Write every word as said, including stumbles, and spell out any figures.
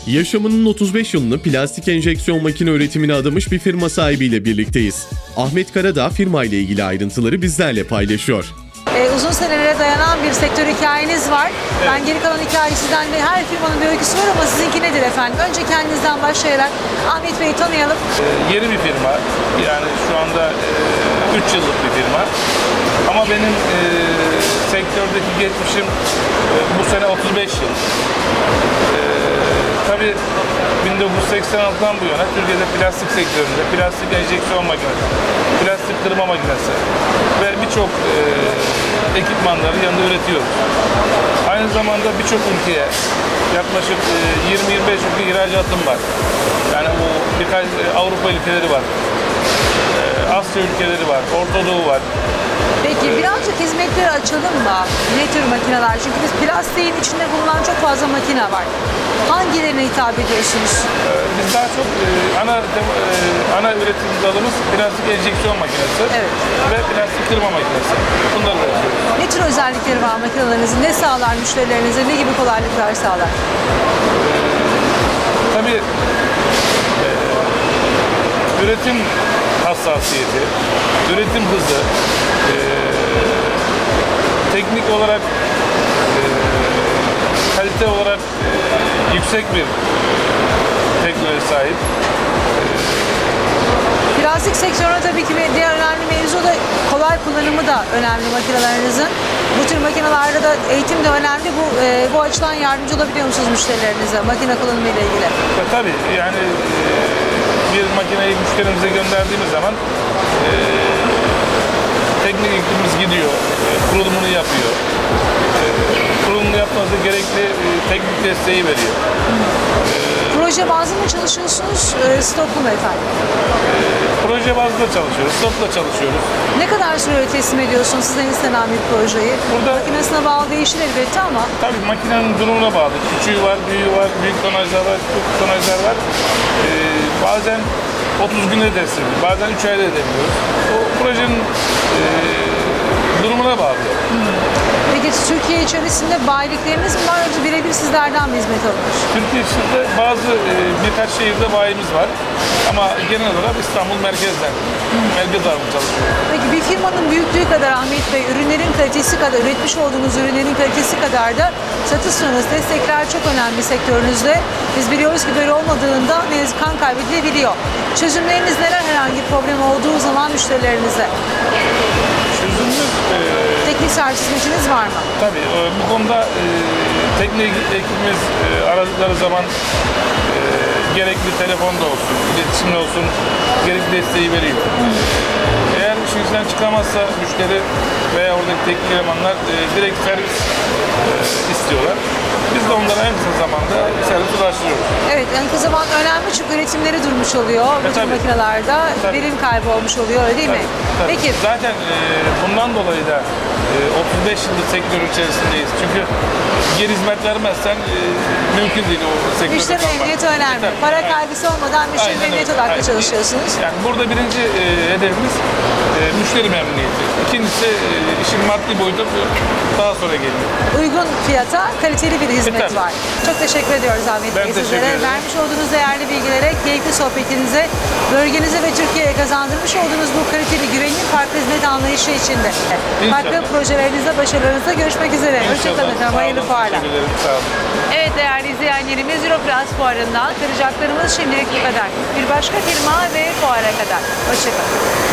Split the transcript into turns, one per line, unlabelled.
Yaşamının otuz beş yılını plastik enjeksiyon makine üretimine adamış bir firma sahibiyle birlikteyiz. Ahmet Karadağ firma ile ilgili ayrıntıları bizlerle paylaşıyor.
Ee, uzun senelere dayanan bir sektör hikayeniz var. Evet. Ben geri kalan hikayesinden de her firmanın bir öyküsü var ama sizinki nedir efendim? Önce kendinizden başlayarak Ahmet Bey'i tanıyalım.
Ee, yeni bir firma. Yani şu anda üç e, yıllık bir firma. Ama benim e, sektördeki geçmişim e, bu sene otuz beş yıl. E, tabii bin dokuz yüz seksen altıdan bu yana Türkiye'de plastik sektöründe plastik enjeksiyon makinesi, plastik kırma makinesi ve birçok e, ekipmanları yanında üretiyoruz. Aynı zamanda birçok ülkeye yaklaşık e, yirmi yirmi beş ülke ihracatım var. Yani bu birkaç e, Avrupa ülkeleri var, e, Asya ülkeleri var, Orta Doğu var.
Peki birazcık hizmetleri açalım mı? Ne tür makineler? Çünkü biz plastiğin içinde bulunan çok fazla makine var. Hangilerine hitap ediyorsunuz?
Ee, biz daha çok e, ana e, ana üretim dalımız plastik enjeksiyon makinesi
Evet.
ve plastik kırma makinesi. Bunları üretiyoruz.
Ne tür özellikleri var makinelerinizin? Ne sağlar müşterilerinize? Ne gibi kolaylıklar sağlar?
Tabii e, üretim hassasiyeti, üretim hızı, e, teknik olarak, e, kalite olarak e, yüksek bir teknoloji sahip.
Plastik sektörüne tabii ki bir diğer önemli mevzu da kolay kullanımı da önemli makinelerinizin. Bu tür makinelerde de eğitim de önemli. Bu e, bu açıdan yardımcı olabiliyor musunuz müşterilerinize makine kullanımı ile ilgili?
E, tabii yani e, bir makineyi müşterimize gönderdiğimiz zaman e, teknik ekibimiz gidiyor, e, kurulumunu yapıyor. E, kurulumunu yapması gerekli e, teknik desteği veriyor.
Proje bazlı mı çalışıyorsunuz, e, stoklu mu efendim?
E, proje bazlı çalışıyoruz, stokla çalışıyoruz.
Ne kadar süre teslim ediyorsunuz sizden istenen bir projeyi?
Burada
makinesine bağlı değişir elbette ama.
Tabii makinenin durumuna bağlı. Küçüğü var, büyüğü var, büyük tonajlar var, küçük tonajlar var. E, bazen otuz günde teslim, bazen üç ayda edebiliyoruz. O projenin e, durumuna bağlı.
Hmm. Peki Türkiye içerisinde bayilikleriniz mi var yoksa birebir sizlerden mi hizmet alınır?
Türkiye içinde bazı e, birkaç şehirde bayimiz var ama genel olarak İstanbul merkezden, hmm. merkez ağırlıklı çalışıyoruz.
Peki bir firmanın büyüklüğü kadar Ahmet Bey, ürünlerin kalitesi kadar, üretmiş olduğunuz ürünlerin kalitesi kadar da satış sonrası destekler çok önemli sektörünüzde. Biz biliyoruz ki böyle olmadığında ne yazık kan kaybedilebiliyor. Çözümleriniz neler herhangi problem olduğu zaman müşterilerinize?
Çözümümüz... E,
Teknik servis hizmetiniz var mı?
Tabii e, bu konuda e, teknik ekibimiz e, aradıkları zaman e, gerekli telefonda olsun, iletişimde olsun gerekli desteği veriyor. Hmm. Eğer işin içinden çıkamazsa müşteri veya oradaki teknik elemanlar e, direkt servis e, istiyorlar. Biz de onlara en kısa zamanda servis ulaştırıyoruz.
Evet, en kısa zaman önemli çünkü üretimleri durmuş oluyor bu tür makinelerde. Verim kaybı olmuş oluyor öyle değil
tabii,
mi?
Tabii.
Peki.
Zaten e, bundan dolayı da e, otuz beş yıldır sektör içerisindeyiz. Çünkü geri hizmet vermezsen e, mümkün değil o sektörde.
Müşteri memnuniyeti önemli.
Tabii,
Para
aynen.
kaygısı olmadan müşteri
Aynen
memnuniyeti
öyle.
odaklı
Aynen.
çalışıyorsunuz.
Yani burada birinci e, hedefimiz e, müşteri memnuniyeti. İkincisi e, işin maddi boyutu daha sonra geliyor.
Uygun fiyata kaliteli bir hizmet
E,
var. Çok teşekkür ediyoruz Ahmet
Ben
Bey
teşekkür
sizlere.
ederim.
Vermiş olduğunuz değerli bilgilere, keyifli sohbetinize, bölgenize ve Türkiye'ye kazandırmış olduğunuz bu kaliteli güvenilir farklı hizmet anlayışı içinde.
İnşallah.
Farklı projelerinizde, başarılarınızda görüşmek üzere. Hoşçakalın efendim.
Sağ
Hayırlı
olun,
fuarlar.
teşekkür ederim. Sağ olun.
Evet değerli izleyenlerimiz Europlus fuarından aktaracaklarımız şimdilik bu kadar. Bir başka firma ve fuara kadar. Hoşçakalın.